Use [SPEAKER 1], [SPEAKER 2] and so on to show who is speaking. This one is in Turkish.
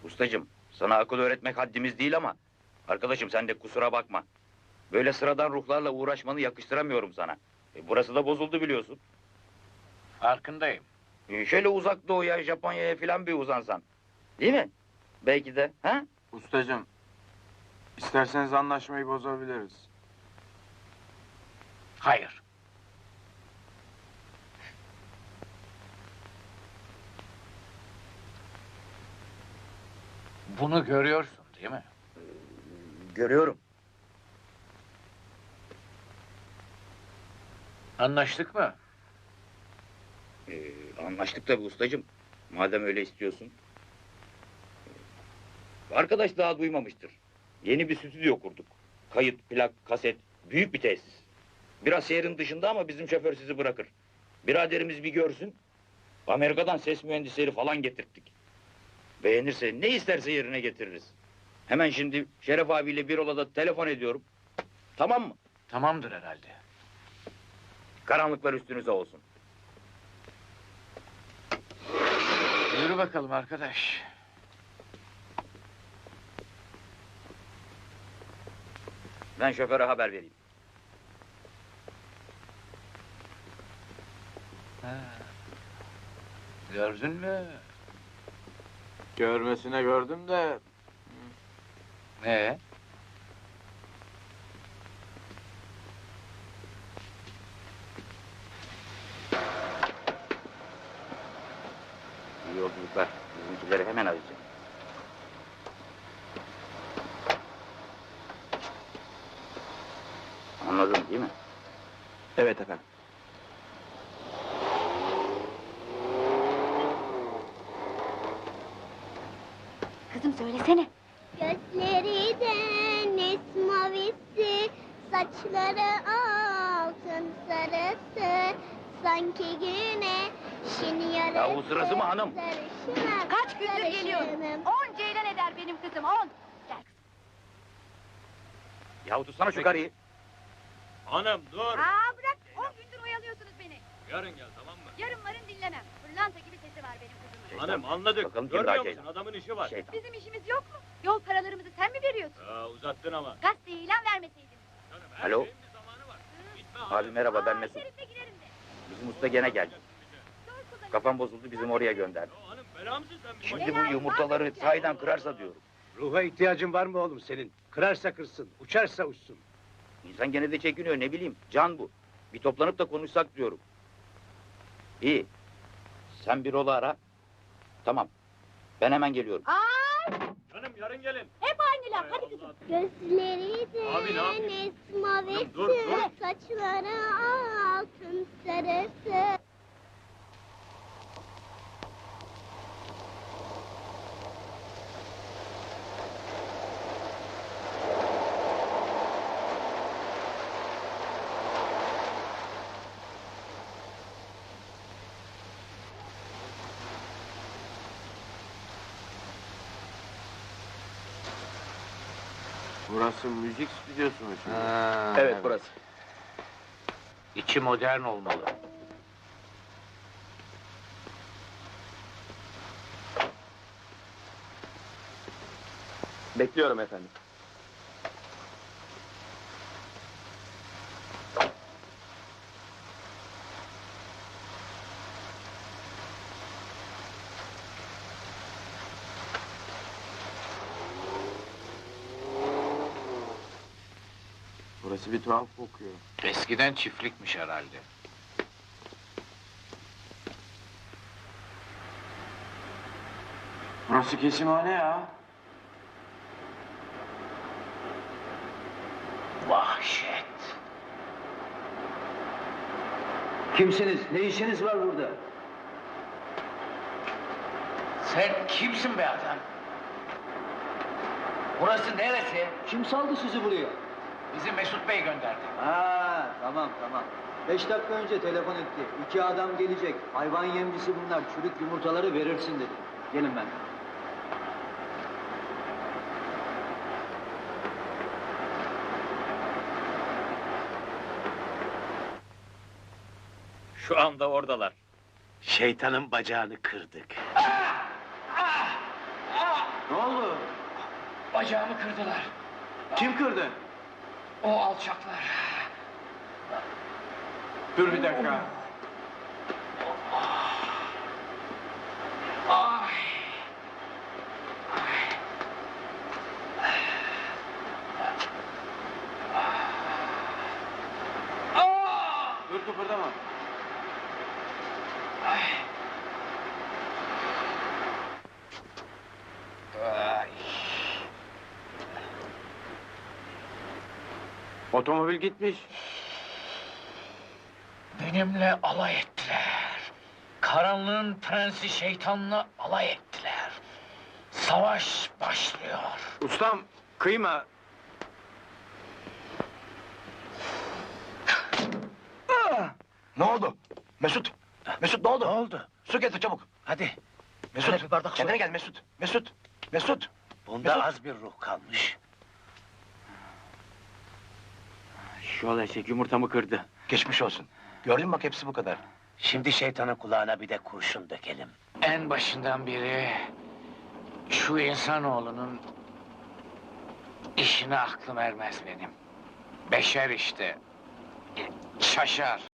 [SPEAKER 1] Ustacığım, sana akıl öğretmek haddimiz değil ama... ...arkadaşım sen de kusura bakma. Böyle sıradan ruhlarla uğraşmanı yakıştıramıyorum sana. Burası da bozuldu biliyorsun.
[SPEAKER 2] Farkındayım.
[SPEAKER 1] Şöyle uzak doğuya, Japonya'ya filan bir uzansan. Değil mi? Belki de, ha?
[SPEAKER 3] Ustacığım, isterseniz anlaşmayı bozabiliriz.
[SPEAKER 2] Hayır. Bunu görüyorsun, değil mi?
[SPEAKER 1] Görüyorum.
[SPEAKER 2] Anlaştık mı?
[SPEAKER 1] Anlaştık tabii ustacığım. Madem öyle istiyorsun. Arkadaş daha duymamıştır. Yeni bir stüdyo kurduk. Kayıt, plak, kaset, büyük bir tesis. Biraz şehrin dışında ama bizim şoför sizi bırakır. Biraderimiz bir görsün. Amerika'dan ses mühendisleri falan getirttik. Beğenirse ne isterse yerine getiririz. Hemen şimdi Şeref abiyle bir odada telefon ediyorum. Tamam mı?
[SPEAKER 2] Tamamdır herhalde.
[SPEAKER 1] Karanlıklar üstünüze olsun.
[SPEAKER 2] Yürü bakalım arkadaş.
[SPEAKER 1] Ben şoföre haber vereyim.
[SPEAKER 2] Ha. Gördün mü?
[SPEAKER 3] Görmesine gördüm de...
[SPEAKER 2] Ne?
[SPEAKER 1] İyi yolculuklar. Bizimkileri hemen arayacağım. Anladın değil mi?
[SPEAKER 3] Evet efendim.
[SPEAKER 4] Kızım söylesene.
[SPEAKER 5] Gözleri deniz mavisi, saçları altın sarısı, sanki güneşin yarısı.
[SPEAKER 1] Ya o sırası mı hanım?
[SPEAKER 5] Sarışınım,
[SPEAKER 4] Kaç gündür geliyorum.
[SPEAKER 5] sarışınım.
[SPEAKER 4] 10 ceylan eder benim kızım 10. Gel kızım.
[SPEAKER 1] Yahu tutsana şu karıyı.
[SPEAKER 6] Hanım dur.
[SPEAKER 4] Aa bırak 10 gündür oyalıyorsunuz beni.
[SPEAKER 6] Yarın gel tamam mı?
[SPEAKER 4] Yarın varın dinlemem. Pırlanta gibi sesi var benim kızımın.
[SPEAKER 6] Hanım anladık.
[SPEAKER 1] Bakalım kim daha
[SPEAKER 6] Görmüyor musun?
[SPEAKER 1] şeytan?
[SPEAKER 6] Adamın işi var.
[SPEAKER 1] Şeytan.
[SPEAKER 4] Bizim işimiz yok mu? Yol paralarımızı sen mi veriyorsun?
[SPEAKER 6] Uzattın ama.
[SPEAKER 4] Gazeteye ilan vermeseydin.
[SPEAKER 6] Canım, her
[SPEAKER 1] Alo?
[SPEAKER 6] şeyin bir zamanı var. Gitme
[SPEAKER 1] Abi merhaba ben
[SPEAKER 4] Aa,
[SPEAKER 1] Mesut.
[SPEAKER 4] Şerif'le giderim de.
[SPEAKER 1] Bizim usta gene geldi.
[SPEAKER 4] Zor kullanacağım.
[SPEAKER 1] Kafam bozuldu bizim oraya gönderdi.
[SPEAKER 6] Ya hanım bela mısın sen?
[SPEAKER 1] Şimdi bu yumurtaları sahiden kırarsa diyorum.
[SPEAKER 7] Ruha ihtiyacın var mı oğlum senin? Kırarsa kırsın, uçarsa uçsun.
[SPEAKER 1] İnsan gene de çekiniyor ne bileyim. Can bu. Bir toplanıp da konuşsak diyorum. İyi. Sen bir ola ara. Tamam. Ben hemen geliyorum.
[SPEAKER 4] Aa,
[SPEAKER 6] Canım yarın gelin.
[SPEAKER 4] hep aynı laf. Hadi kızım.
[SPEAKER 5] Gözleri
[SPEAKER 6] Abi, ne yapayım?
[SPEAKER 5] deniz mavisi,
[SPEAKER 6] Dur, dur.
[SPEAKER 5] saçları altın sarısı.
[SPEAKER 3] Burası müzik stüdyosu mu şimdi?
[SPEAKER 7] Evet burası.
[SPEAKER 2] İçi modern olmalı.
[SPEAKER 7] Bekliyorum efendim.
[SPEAKER 3] Burası bir tuhaf kokuyor.
[SPEAKER 2] Eskiden çiftlikmiş herhalde.
[SPEAKER 3] Burası kesimhane ya.
[SPEAKER 2] Vahşet.
[SPEAKER 7] Kimsiniz? Ne işiniz var burada?
[SPEAKER 2] Sen kimsin be adam? Burası neresi?
[SPEAKER 7] Kim saldı sizi buraya?
[SPEAKER 2] Bizi Mesut Bey gönderdi.
[SPEAKER 8] Ha, tamam tamam. 5 dakika önce telefon etti. 2 adam gelecek. Hayvan yemcisi bunlar. Çürük yumurtaları verirsin dedi. Gelin ben.
[SPEAKER 1] Şu anda oradalar.
[SPEAKER 7] Şeytanın bacağını kırdık.
[SPEAKER 3] Ne oldu?
[SPEAKER 2] Bacağımı kırdılar.
[SPEAKER 3] Kim kırdı?
[SPEAKER 2] O alçaklar.
[SPEAKER 3] Dur bir dakika.
[SPEAKER 2] Ay.
[SPEAKER 3] Dur kıpırdama.
[SPEAKER 2] Ay.
[SPEAKER 3] Otomobil gitmiş.
[SPEAKER 2] Benimle alay ettiler. Karanlığın prensi şeytanla alay ettiler. Savaş başlıyor.
[SPEAKER 3] Ustam kıyma.
[SPEAKER 1] Ne oldu? Mesut. Mesut ne oldu?
[SPEAKER 7] Ne oldu?
[SPEAKER 1] Su getir çabuk.
[SPEAKER 7] Hadi.
[SPEAKER 1] Mesut.
[SPEAKER 7] Hadi bir bardak su.
[SPEAKER 1] Kendine gel Mesut. Mesut. Mesut.
[SPEAKER 7] Bunda
[SPEAKER 1] Mesut.
[SPEAKER 7] az bir ruh kalmış.
[SPEAKER 3] Şu eşek yumurtamı kırdı.
[SPEAKER 1] Geçmiş olsun. Gördün mü bak hepsi bu kadar.
[SPEAKER 7] Şimdi şeytanın kulağına bir de kurşun dökelim.
[SPEAKER 2] En başından beri şu insanoğlunun işine aklım ermez benim. Beşer işte. Şaşar.